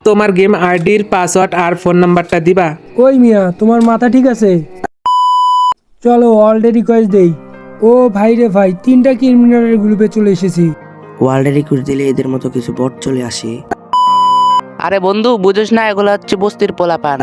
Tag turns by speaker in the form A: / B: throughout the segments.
A: তোমার গেম আইডির পাসওয়ার্ড আর ফোন নাম্বারটা দিবা।
B: ওই মিয়া, তোমার মাথা ঠিক আছে? চলো অলরেডি রিকোয়েস্ট দেই। ও ভাই রে ভাই, 3টা ক্রিমিনালের গ্রুপে চলে এসেছি।
C: ওয়ার্ল্ডে রিক্রুট দিলে এদের মতো কিছু বট চলে আসে।
D: আরে বন্ধু বুঝোস না, এগুলো হচ্ছে বস্তির পোলাপান।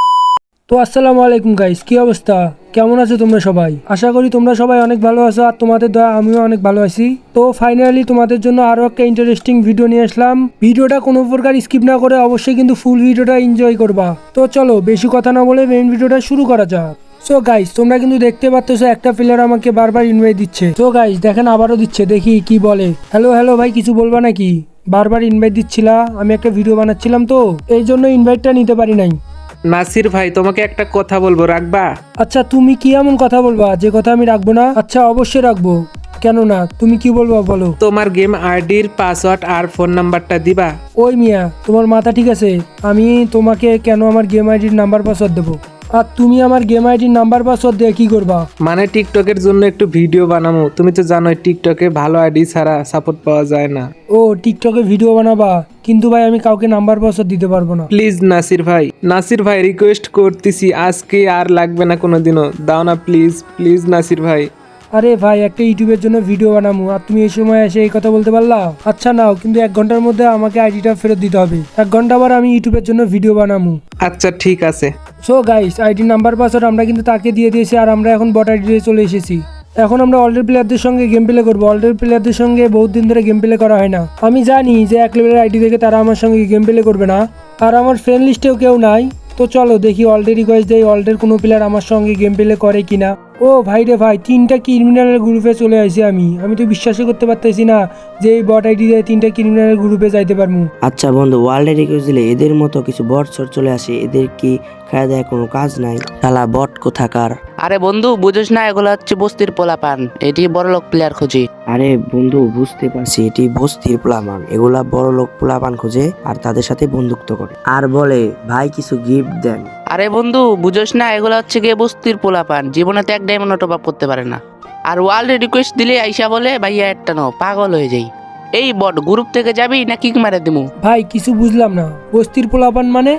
B: তো আসসালামু আলাইকুম গাইস, কি অবস্থা? কেমন আছো তোমরা সবাই? আশা করি তোমরা সবাই অনেক ভালো আছো, আর তোমাদের দয়া আমিও অনেক ভালো আছি। তো ফাইনালি তোমাদের জন্য আরো একটা ইন্টারেস্টিং ভিডিও নিয়ে আসলাম। ভিডিওটা কোনো প্রকার স্কিপ না করে অবশ্যই কিন্তু ফুল ভিডিওটা এনজয় করবা। তো চলো বেশি কথা না বলে মেইন ভিডিওটা শুরু করা যাক। সো গাইস, তোমরা কিন্তু দেখতে পাচ্ছ একটা প্লেয়ার আমাকে বারবার ইনভাইট দিচ্ছে। তো গাইস দেখেন, আবারও দিচ্ছে, দেখি কি বলে। হ্যালো হ্যালো ভাই, কিছু বলবা নাকি? বারবার ইনভাইট দিচ্ছিলা, আমি একটা ভিডিও বানাচ্ছিলাম তো এই জন্য ইনভাইটটা নিতে পারি নাই।
A: নাসির ভাই, তোমাকে একটা কথা বলবো, রাখবা?
B: আচ্ছা, তুমি কি এমন কথা বলবা যে কথা আমি রাখবো না? আচ্ছা অবশ্যই রাখবো, কেন না? তুমি কি বলবা বলো।
A: তোমার গেম আইডির পাসওয়ার্ড আর ফোন নাম্বারটা দিবা।
B: ওই মিয়া, তোমার মাথা ঠিক আছে? আমি তোমাকে কেন আমার গেম আইডির নাম্বার পাসওয়ার্ড দেবো? আর তুমি আমার গেম আইডির নাম্বার পাসওয়ার্ড দিয়ে কি করবা?
A: মানে টিকটকের জন্য একটু ভিডিও বানাবো, তুমি তো জানোই টিকটকে ভালো আইডি ছাড়া সাপোর্ট পাওয়া যায় না।
B: ও টিকটকে ভিডিও বানাবা, কিন্তু ভাই আমি কাউকে নাম্বার পাসওয়ার্ড দিতে পারবো না।
A: প্লিজ নাসির ভাই, নাসির ভাই রিকোয়েস্ট করতেছি, আজকে আর লাগবে না কোনোদিনও, দাও না প্লিজ প্লিজ নাসির ভাই।
B: আরে ভাই, একটা ইউটিউবের জন্য ভিডিও বানাবো আর তুমি এই সময় এসে এই কথা বলতে পারলা? আচ্ছা নাও, কিন্তু 1 ঘন্টার মধ্যে আমাকে আইডিটা ফেরত দিতে হবে। 1 ঘন্টা পর আমি ইউটিউবের জন্য ভিডিও বানাবো।
A: আচ্ছা ঠিক আছে।
B: So guys, ID number password আমরা কিন্তু তাকে দিয়ে দিয়েছি, আর আমরা এখন বট আইডি চলে এসেছি। এখন আমরা অলরেডি প্লেয়ারদের সঙ্গে গেম প্লে করবো। অলরেডি প্লেয়ারদের সঙ্গে বহুত দিন ধরে গেম প্লে করা হয় না। আমি জানি যে 1 লেভেলের আইডি থেকে তারা আমার সঙ্গে গেম প্লে করবে না, আর আমার ফ্রেন্ড লিস্টেও কেউ নাই। তো চলো দেখি অলরেডি রিকোয়েস্ট দেই, অলরেডি কোনো প্লেয়ার আমার সঙ্গে গেম প্লে করে কিনা। ও ভাই রে ভাই, 3টা ক্রিমিনালের গ্রুপে চলে আসি আমি তো বিশ্বাসই করতে পারতেছি না যে এই বট আইডি দিয়ে 3টা ক্রিমিনালের গ্রুপে যাইতে পারবো।
C: আচ্ছা বন্ধু, ওয়ার্ল্ডে রিক্রুট দিলে এদের মতো কিছু বট চর চলে আসে। এদের কি খাওয়া দেয় কোনো কাজ নাই? শালা বট কোথাকার।
D: আরে বন্ধু বুঝোস না, এগুলো হচ্ছে বস্তির পোলাপান। এটি বড়লোক প্লেয়ার খুঁজি।
C: আরে বন্ধু বুঝতে পারছি, এটি বস্তির পোলাপান। এগুলা বড় লোক পোলাপান খোঁজে আর তাদের সাথে বন্ধুত্ব করে, আর বলে ভাই কিছু গিফট দেন।
D: আরে বন্ধু বুঝোস না, এগুলো হচ্ছে গিয়ে বস্তির পোলাপান, জীবনে তো 1 ডায়মন্ড টপ আপ করতে পারে না। আর ওয়ার্ল্ডে রিকোয়েস্ট দিলে আইসা বলে ভাইয়া একটা নাও, পাগল হয়ে যাই। এই বট গ্রুপ থেকে যাবি না কিক মারে দিমু?
B: ভাই কিছু বুঝলাম না, বস্তির পোলাপান মানে?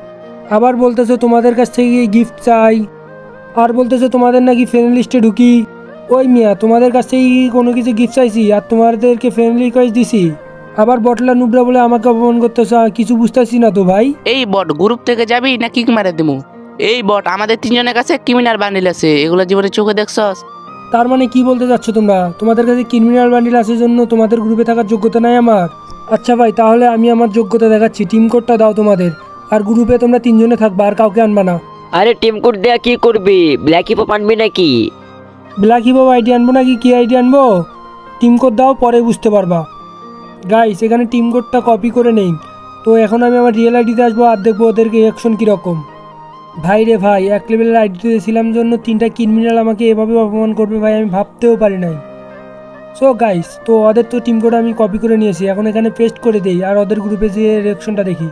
B: আবার বলতেছো তোমাদের কাছ থেকে গিফট চাই, আর বলতেছো তোমাদের নাকি ফ্রেন্ড লিস্টে ঢুকি। ওই মিয়া, তোমাদের কাছ থেকে কি কোনো কিছু গিফট চাইছি আর তোমাদেরকে ফ্রেন্ড রিকোয়েস্ট দিছি? আবার বটলা নুবরা বলে আমাকে অপমান করতেছো, কিছু বুঝতেছি না তো ভাই।
D: এই বট গ্রুপ থেকে যাবি না কিক মারে দিমু? এই বট আমাদের 3 জনের কাছে ক্রিমিনাল বান্ডিল আছে, এগুলো জীবনে চোখে দেখছস?
B: তার মানে কি বলতে চাচ্ছ তোমরা? তোমাদের কাছে ক্রিমিনাল বান্ডিল আছে জন্য তোমাদের গ্রুপে থাকার যোগ্যতা নাই আমার? আচ্ছা ভাই, তাহলে আমি আমার যোগ্যতা দেখাচ্ছি। টিম কোডটা দাও তোমাদের, আর গ্রুপে তোমরা 3 জনে থাকবা, আর কাউকে আনবা না।
E: আরে টিম কোড দেয়া কি করবি? ব্ল্যাক হিপ আনবি নাকি?
B: ব্ল্যাক হিপ আইডি আনবো নাকি কি আইডি আনবো? টিম কোড দাও, পরে বুঝতে পারবা। গাইস, এখানে টিম কোডটা কপি করে নেই। তো এখন আমি আমার রিয়েল আইডিতে আসবো আর দেখবো ওদেরকে অ্যাকশন কীরকম। ভাই রে ভাই, 1 লেভেলের আইডিতে ছিলাম জন্য 3টা ক্রিমিনাল আমাকে এভাবে অপমান করবে ভাই, আমি ভাবতেও পারি নাই। সো গাইস, তো ওদের তো টিম কোড আমি কপি করে নিয়েছি, এখন এখানে পেস্ট করে দেই আর ওদের গ্রুপে যে রিঅ্যাকশনটা দেখি।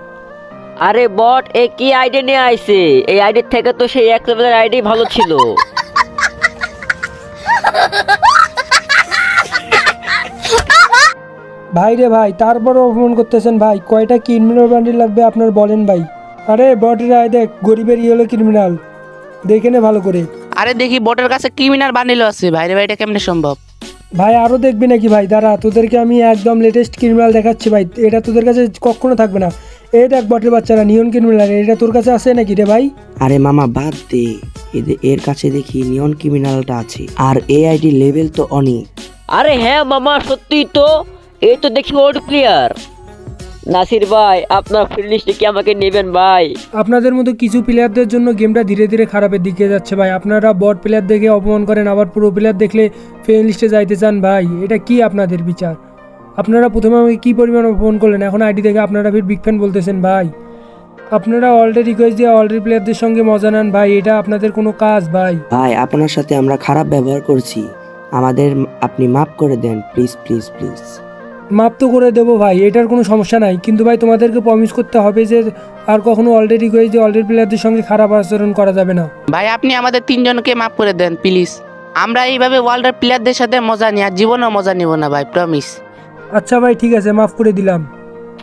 E: আরে বট, এ কি আইডি নিয়ে আইছে? এই আইডির থেকে তো সেই 1 লেভেলের আইডি ভালো ছিল।
B: ভাই রে ভাই, তারপরও অপমান করতেছেন ভাই। কয়টা ক্রিমিনাল বান্ডিল লাগবে আপনার বলেন ভাই? আরে বটের আয় দেখ, গরিবের হলো ক্রিমিনাল, দেখে নে ভালো করে।
D: আরে দেখি বটের কাছে ক্রিমিনাল বান্ডিল আছে। ভাইরে ভাই, এটা কেমনে সম্ভব?
B: ভাই আরও দেখবি নাকি ভাই? দাঁড়া, তোদেরকে আমি একদম লেটেস্ট ক্রিমিনাল দেখাচ্ছি ভাই। এটা তোদের কাছে কখনো থাকবে না। এই দেখ বটের বাচ্চারা, নিয়ন ক্রিমিনাল, এটা তোর কাছে আছে নাকি রে ভাই?
C: আরে মামা বাদ দে, এর কাছে দেখি নিয়ন ক্রিমিনালটা আছে, আর এই আইডি লেভেল তো অনেক।
E: আরে হ্যাঁ মামা, সত্যিই তো। এই তো দেখি ওল্ড প্লেয়ার। নাসির ভাই, আপনার ফ্রেন্ড লিস্টে কি আমাকে নেবেন ভাই?
B: আপনাদের মতো কিছু প্লেয়ারদের জন্য গেমটা ধীরে ধীরে খারাপের দিকে যাচ্ছে ভাই। আপনারা বট প্লেয়ার দেখে অপমান করেন, আবার প্রো প্লেয়ার দেখলে ফ্রেন্ড লিস্টে যাইতে চান ভাই। এটা কি আপনাদের বিচার? আপনারা প্রথমে আমাকে কী পরিমাণ অপমান করলেন, এখন আইডি দেখে আপনারা ফির বিগ ফ্যান বলতেছেন ভাই। আপনারা অলরেডি রিকোয়েস্ট দিয়ে অলরেডি প্লেয়ারদের সঙ্গে মজা নেন ভাই, এটা আপনাদের কোনো কাজ ভাই?
C: ভাই আপনার সাথে আমরা খারাপ ব্যবহার করছি, আমাদের আপনি মাফ করে দেন প্লিজ প্লিজ প্লিজ।
B: মাপ তো করে দেবো ভাই, এটার কোনো সমস্যা নাই, কিন্তু ভাই তোমাদেরকে প্রমিস করতে হবে যে আর কখনো অলরেডি রিকোয়েস্ট দিয়ে অলরেডি প্লেয়ারদের সঙ্গে খারাপ আচরণ করা যাবে না।
D: ভাই আপনি আমাদের 3 জনকে মাফ করে দেন প্লিজ। আমরা এইভাবে ওয়ার্ল্ডের প্লেয়ারদের সাথে মজা নিই, আর জীবনেও মজা নিব না ভাই, প্রমিস।
B: আচ্ছা ভাই ঠিক আছে, মাফ করে দিলাম।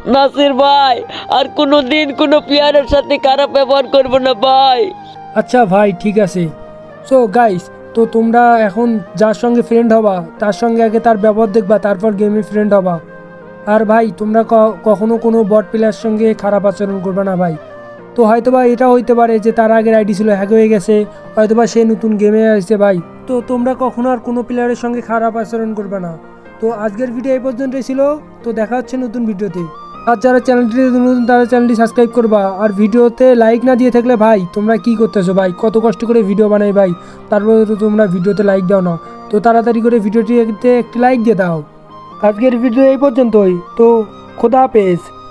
E: নাসির ভাই আর কোনো দিন কোনো প্লেয়ারের সাথে খারাপ ব্যবহার করবো না ভাই।
B: আচ্ছা ভাই ঠিক আছে। সো গাইস, তো তোমরা এখন যার সঙ্গে ফ্রেন্ড হবা তার সঙ্গে আগে তার ব্যবহার দেখবা, তারপর গেমে ফ্রেন্ড হবা। আর ভাই তোমরা কখনো কোনো বট প্লেয়ার সঙ্গে খারাপ আচরণ করবে না ভাই। তো হয়তোবা এটা হইতে পারে যে তার আগের আইডি ছিল হ্যাক হয়ে গেছে, হয়তোবা সে নতুন গেমে আসছে ভাই। তো তোমরা কখনো আর কোনো প্লেয়ারের সঙ্গে খারাপ আচরণ করবে না। তো আজকের ভিডিও এই পর্যন্তই ছিল। তো দেখা হচ্ছে নতুন ভিডিওতে। আর যারা চ্যানেলটি নতুন তারা চ্যানেলটি সাবস্ক্রাইব করবা। আর ভিডিওতে লাইক না দিয়ে থাকলে ভাই তোমরা কি করতেছো ভাই, কত কষ্ট করে ভিডিও বানাই ভাই, তারপরে তো তোমরা ভিডিওতে লাইক দাও না। তো তাড়াতাড়ি করে ভিডিওটিতে একটি লাইক দিয়ে দাও। আজকের ভিডিও এই পর্যন্তই। তো খোদা হাফেজ।